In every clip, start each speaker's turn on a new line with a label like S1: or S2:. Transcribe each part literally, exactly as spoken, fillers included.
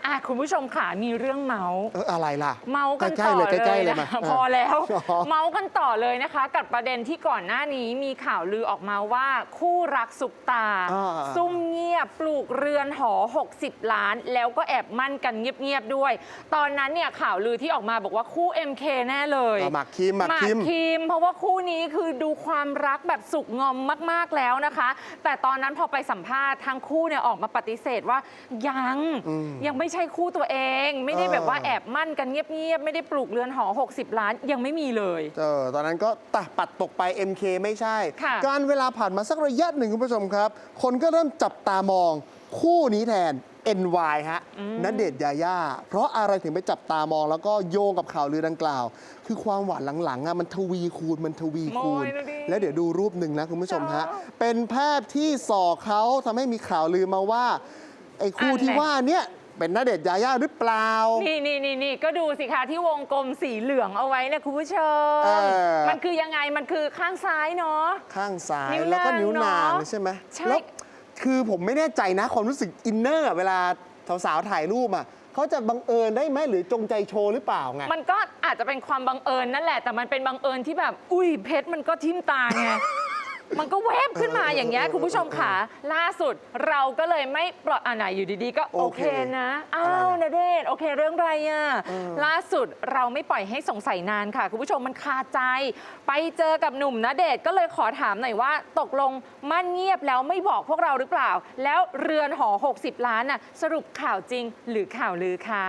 S1: อ่ะคุณผู้ชมค่ะมีเรื่องเมาส์
S2: เอออะไรล่ะ
S1: เมาส์กันต่อเลยนะพอแล้วเมาส์กันต่อเลยนะคะกับประเด็นที่ก่อนหน้านี้มีข่าวลือออกมาว่าคู่รักสุกตาซุ่มเงียบปลูกเรือนหอหกสิบล้านแล้วก็แอบมั่นกันเงียบๆด้วยตอนนั้นเนี่ยข่าวลือที่ออกมาบอกว่าคู่ เอ็ม เค แน่เลย
S2: หมากคิมหมากคิม
S1: คิมเพราะว่าคู่นี้คือดูความรักแบบสุกงอมมากๆแล้วนะคะแต่ตอนนั้นพอไปสัมภาษณ์ทั้งคู่เนี่ยออกมาปฏิเสธว่ายังยังไม่ใช่คู่ตัวเองไม่ได้แบบว่าแอบมั่นกันเงียบๆไม่ได้ปลูกเรือนหอหกสิบล้านยังไม่มีเลย
S2: เออตอนนั้นก็ตะปัดตกไป เอ็ม เค ไม่ใช่การเวลาผ่านมาสักระยะหนึ่งคุณผู้ชมครับคนก็เริ่มจับตามองคู่นี้แทน เอ็น วาย ฮะณเดชน์ยาย่าเพราะอะไรถึงไปจับตามองแล้วก็โยงกับข่าวลือดังกล่าวคือความหวานหลังๆอ่ะมันทวีคูณมันทวีคูณแล้วเดี๋ยวดูรูปหนึ่งนะคุณผู้ชมฮะเป็นแพทย์ที่ส่อเขาทำให้มีข่าวลือมาว่าไอ้คู่ที่ว่าเนี้ยเป็นณเดชน์ยาย่าหรือเปล่า
S1: นี่นี่นี่นี่ก็ดูสิคะที่วงกลมสีเหลืองเอาไว้เนี่ยคุณผู้ชมมันคือยังไงมันคือข้างซ้ายเนาะ
S2: ข้างซ้ายแล้วก็นิ้วนางใช่ไหมใช่คือผมไม่แน่ใจนะความรู้สึกอินเนอร์เวลาสาวๆถ่ายรูปอ่ะเขาจะบังเอิญได้ไหมหรือจงใจโชว์หรือเปล่าไง
S1: มันก็อาจจะเป็นความบังเอิญนั่นแหละแต่มันเป็นบังเอิญที่แบบอุ้ยเพชรมันก็ทิ่มตาไงมันก็แวบขึ้นมาอย่างเงี้ยคุณผู้ชมค่ะล่าสุดเราก็เลยไม่ปลอดอ่าไหนอยู่ดีๆก็โอเคนะอ้าวณเดชน์โอเคเรื่องอะไรอ่ะล่าสุดเราไม่ปล่อยให้สงสัยนานค่ะคุณผู้ชมมันคาใจไปเจอกับหนุ่มณเดชน์ก็เลยขอถามหน่อยว่าตกลงมั่นเงียบแล้วไม่บอกพวกเราหรือเปล่าแล้วเรือนหอหกสิบล้านน่ะสรุปข่าวจริงหรือข่าวลือคะ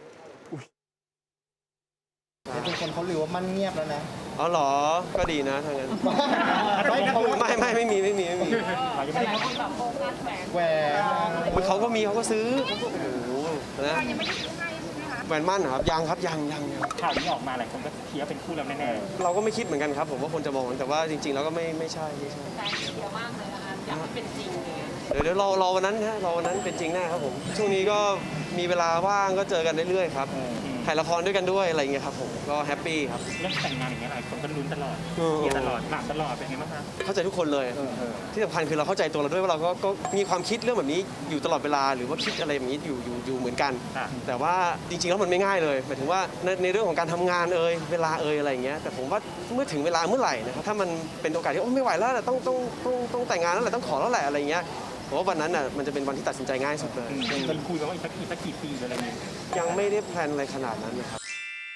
S3: เป็นคนเขาลือว่ามันเงียบแล้วนะ
S4: อ๋อเหรอก็ดีนะทางนั้นไม่ไม่ไม่มีไม่มีไม่มี
S3: แหวน
S4: เขาก็มีเขาก็ซื้อโอ้โหนะแหวนมั่นครับยังครับยังยัง
S5: ข่าวนี้ออกมาหลายคนก็คิดว่าเป็นคู่แล้วแน่
S4: ๆเราก็ไม่คิดเหมือนกันครับผมว่าคนจะมองแต่ว่าจริงๆแล้วก็ไม่ไม่ใช่ไม่ใช่
S1: เยอะมากเลยนะคะอยากให้เป็นจริง
S4: เดี๋ยวเดี๋ยวรอรอวันนั้นนะรอวันนั้นเป็นจริงแน่ครับผมช่วงนี้ก็มีเวลาว่างก็เจอกันเรื่อยๆครับถ่ายละครด้วยกันด้วยอะไรอย่างเงี้ยครับผมก็แฮปปี้ครับ
S5: เรื่องแต่งงานอย่างเงี้ยหลายคนก็ลุ้นตลอดเชียร์ตลอดหมากตลอดเป็นไงบ้างคะ
S4: เข้าใจทุกคนเลยที่สำคัญคือเราเข้าใจตัวเราด้วยว่าเราก็ก็มีความคิดเรื่องแบบนี้อยู่ตลอดเวลาหรือว่าคิดอะไรแบบนี้อยู่อยู่อยู่เหมือนกันแต่ว่าจริงๆแล้วมันไม่ง่ายเลยหมายถึงว่าในในเรื่องของการทำงานเอ่ยเวลาเอ่ยอะไรอย่างเงี้ยแต่ผมว่าเมื่อถึงเวลาเมื่อไหร่นะครับถ้ามันเป็นโอกาสที่โอ้ไม่ไหวแล้วต้องต้องต้องต้องแต่งงานแล้วแหละต้องขอแล้วแหละอะไรเงี้ยผมว่าวันนั้นน่ะมันจะเป็นวันที่ตัดสินใจง่ายสุดเลย
S5: มันคุยกันว่าอีกสักกี่สักกี่ปีอะไรเงี้ย
S4: ยังไม่ได้แพลนอะไรขนาดนั้นนะครับ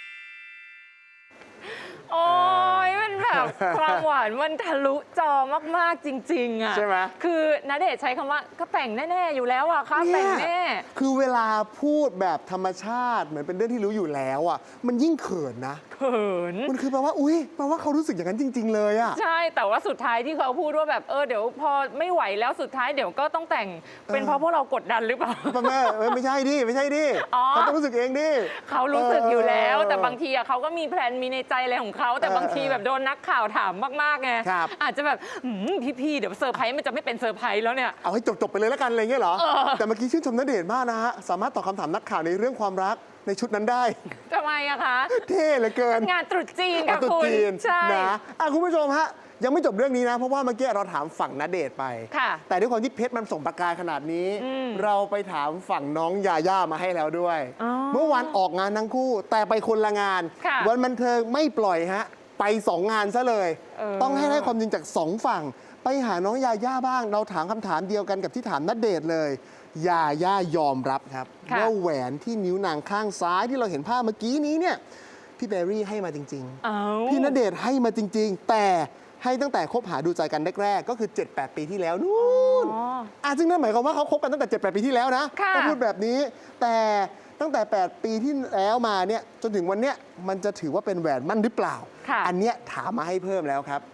S1: โอ้ยมันแบบความหวานมันทะลุจอมากๆจริงๆอ่ะ
S2: ใช่ไหม
S1: คือณเดชน์ใช้คำว่าก็แต่งแน่ๆอยู่แล้วอ่ะค่ะแต่งแน่
S2: คือเวลาพูดแบบธรรมชาติเหมือนเป็นเรื่องที่รู้อยู่แล้วอ่ะมันยิ่งเขินนะ
S1: เขิน
S2: มันคือแปลว่าอุ้ยแปลว่าเขารู้สึกอย่างนั้นจริงๆเลยอ่ะ
S1: ใช่แต่ว่าสุดท้ายที่เขาพูดว่าแบบเออเดี๋ยวพอไม่ไหวแล้วสุดท้ายเดี๋ยวก็ต้องแต่งเป็นเพราะพวกเรากดดันหรือเปล่า
S2: แม่ไม่ใช่ดิไม่ใช่ดิเขาต้องรู้สึกเองดิ
S1: เขารู้สึกอยู่แล้วแต่บางทีเขาก็มีแพลนมีในใจอะไรของเขาแต่บางทีแบบโดนนักข่าวถามมากๆไงอาจจะแบบพี่ๆเดี๋ยวเซอร์ไพรส์มันจะไม่เป็นเซอร์ไพรส์แล้วเนี่ย
S2: เอาให้จบๆไปเลยแล้วกันอะไรเงี้ยเหรอแต่เมื่อกี้ชื่นชมณเดชน์มากนะฮะสามารถตอบคำถามนักข่าวในเรื่องความรักในชุดนั้นได้
S1: ทำไมอะคะ
S2: เท่เหลือเกิน
S1: งานตรุษจีนค่ะคุณ
S2: ใช่นะคุณผู้ชมฮะยังไม่จบเรื่องนี้นะเพราะว่าเมื่อกี้เราถามฝั่งณเดชน์ไปแต่ด้วยความที่เพชรมันส่งประกายขนาดนี้เราไปถามฝั่งน้องยาย่ามาให้แล้วด้วยเมื่อวานออกงานทั้งคู่แต่ไปคนละงานวันบันเทิงไม่ปล่อยฮะไปสองงานซะเลยต้องให้ได้ความจริงจากสองฝั่งไปหาน้องยาย่าบ้างเราถามคำถามเดียวกันกับที่ถามณเดชน์เลยยาย่ายอมรับครับว่าแหวนที่นิ้วนางข้างซ้ายที่เราเห็นภาพเมื่อกี้นี้เนี่ยพี่แบรี่ให้มาจริงๆพี่ณเดชน์ให้มาจริงๆแต่ให้ตั้งแต่คบหาดูใจกันแรกๆก็คือ เจ็ดแปด ปีที่แล้วนู่นอ่ะซึ่งนั่นหมายความว่าเขาคบกันตั้งแต่ เจ็ดแปด ปีที่แล้วนะถ้าพูดแบบนี้แต่ตั้งแต่แปดปีที่แล้วมาเนี่ยจนถึงวันเนี้ยมันจะถือว่าเป็นแหวนมั่นหรือเปล่าอันเนี้ยถามมาให้เพิ่มแล้วครับ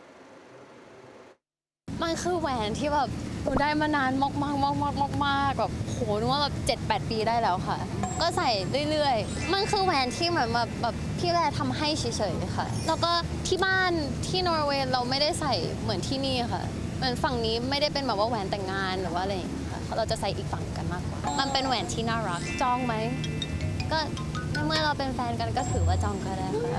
S6: มันคือแหวนที่แบบหนูได้มานานมากมากมากมากมากแบบโหนึกว่าแบบเจ็ดแปดปีได้แล้วค่ะก็ใส่เรื่อยๆมันคือแหวนที่เหมือนแบบแบบพี่แวร์ทำให้เฉยๆค่ะแล้วก็ที่บ้านที่นอร์เวย์เราไม่ได้ใส่เหมือนที่นี่ค่ะเหมือนฝั่งนี้ไม่ได้เป็นแบบว่าแหวนแต่งงานหรือว่าอะไรอย่างเงี้ยค่ะเราจะใส่อีกฝั่งกันมากกว่ามันเป็นแหวนที่น่ารักจองไหมก็เมื่อเราเป็นแฟนกันก็ถือว่าจองก็ได้ค่ะ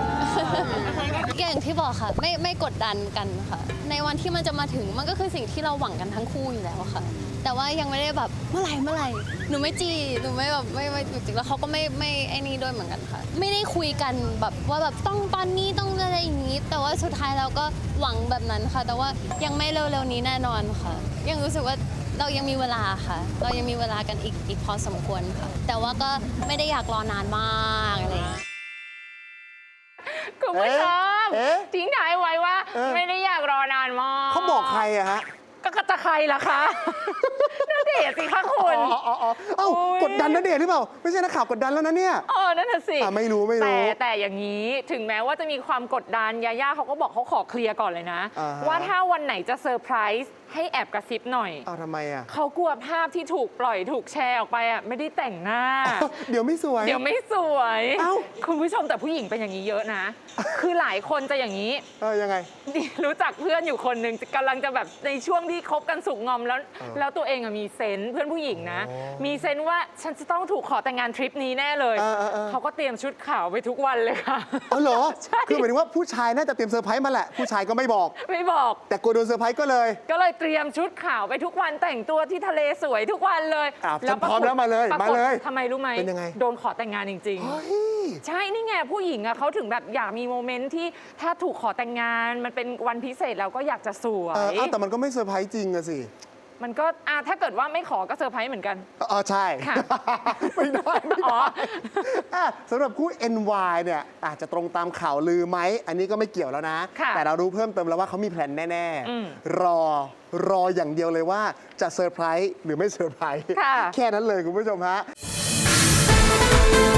S6: อย่างที่บอกค่ะไม่ไม่กดดันกันค่ะในวันที่มันจะมาถึงมันก็คือสิ่งที่เราหวังกันทั้งคู่อยู่แล้วค่ะแต่ว่ายังไม่ได้แบบเมื่อไหร่เมื่อไหร่หนูไม่จีหนูไม่แบบไม่ไม่จริงๆแล้วเขาก็ไม่ไม่ไอ้นี่ด้วยเหมือนกันค่ะไม่ได้คุยกันแบบว่าแบบต้องตอนนี้ต้องอะไรอย่างนี้ แต่ว่าสุดท้ายเราก็หวังแบบนั้นค่ะ แต่ว่ายังไม่เร็วๆนี้แน่นอนค่ะ ยังรู้สึกว่าเรายังมีเวลาค่ะ เรายังมีเวลากันอีกอีกพอสมควรค่ะ แต่ว่าก็ไม่ได้อยากรอนานมากอะไรอย่างเงี้ย
S1: คุณผู้ชม
S2: เอ๊ะ
S1: ทิ้งท้ายไว้ว่า
S2: เออ
S1: ไม่ได้อยากรอนานมาก
S2: เขาบอกใครอะฮะ
S1: ก็จะใครล่ะคะ ณเดชน์สิคะคุณ
S2: อ๋ออ๋ออ๋อเอ้า
S1: โอ้ย
S2: กดดันนะเดชน์หรือเปล่า ไม่ใช่นักข่าวกดดันแล้วนะเนี่ย
S1: เออนั่นน่ะสิ
S2: อ่ะไม่รู้ไม่รู้
S1: แต่แต่อย่างนี้ถึงแม้ว่าจะมีความกดดันยาย่าเขาก็บอกเขาขอเคลียร์ก่อนเลยนะ
S2: อ่าฮะ
S1: ว่าถ้าวันไหนจะเซอร์ไพรส์ให้แอบกระซิบหน่อย
S2: เอาทำไมอะ
S1: เขากลัวภาพที่ถูกปล่อยถูกแชร์ออกไปอ่ะไม่ได้แต่งหน้า
S2: เดี๋ยวไม่สวย
S1: เดี๋ยวไม่สวย
S2: เอ้า
S1: คุณผู้ชมแต่ผู้หญิงเป็นอย่างนี้เยอะนะ คือหลายคนจะอย่างนี้
S2: เออยังไง
S1: นี่รู้จักเพื่อนอยู่คนหนึ่งกำลังจะแบบในช่วงที่คบกันสุกงอมแล้ว
S2: เออ
S1: แล้วตัวเองอะมีเซนส์เพื่อนผู้หญิงนะ
S2: อ๋อ
S1: มีเซนส์ว่าฉันจะต้องถูกขอแต่งงานทริปนี้แน่เลย
S2: เออเออเออ
S1: เขาก็เตรียมชุดขาวไปทุกวันเลยค่ะ
S2: อ๋อเหรอ
S1: ใช่
S2: คือหมายถึงว่าผู้ชายน่าจะเตรียมเซอร์ไพรส์มาแหละ ผู้ชายก็ไม่บอก
S1: ไม่บอก
S2: แต่กลัวโดนเซอร์ไพรส์ก็เลย
S1: ก็เลยเตรียมชุดขาวไปทุกวันแต่งตัวที่ทะเลสวยทุกวันเลย
S2: อ่ะ
S1: ปรากฏ
S2: พร้อมแล้วมาเลย
S1: ปรกฏ
S2: มาเลย
S1: ทำไมรู้ไหม
S2: เป็นยังไง
S1: โดนขอแต่งงานจริง ๆ
S2: เฮ้ย
S1: ใช่ นี่ไงผู้หญิงอะเขาถึงแบบอยากมีโมเมนต์ที่ถ้าถูกขอแต่งงานมันเป็นวันพิเศษแล้วก็อยากจะสว
S2: เออย เอาแต่มันก็ไม่เซอร์ไพรส์จริงอะสิ
S1: มันก็อ่ะถ้าเกิดว่าไม่ขอก็เซอร์ไพรส์เหมือนกัน
S2: เออใช่
S1: ค่ะ
S2: ไม่ได้ไม่
S1: อ๋
S2: ได้
S1: อ
S2: อ่ะสำหรับคู่ เอ็น วาย เนี่ยอาจจะตรงตามข่าวลือไหม อันนี้ก็ไม่เกี่ยวแล้วนะ
S1: ค่ะ
S2: แต่เรารู้เพิ่มเติมแล้วว่าเขามีแพลนแน่
S1: อืม
S2: ๆ รอรออย่างเดียวเลยว่าจะเซอร์ไพรส์หรือไม่เซอร์ไพรส์
S1: ค่ะ
S2: แค่นั้นเลยคุณผู้ชมฮะ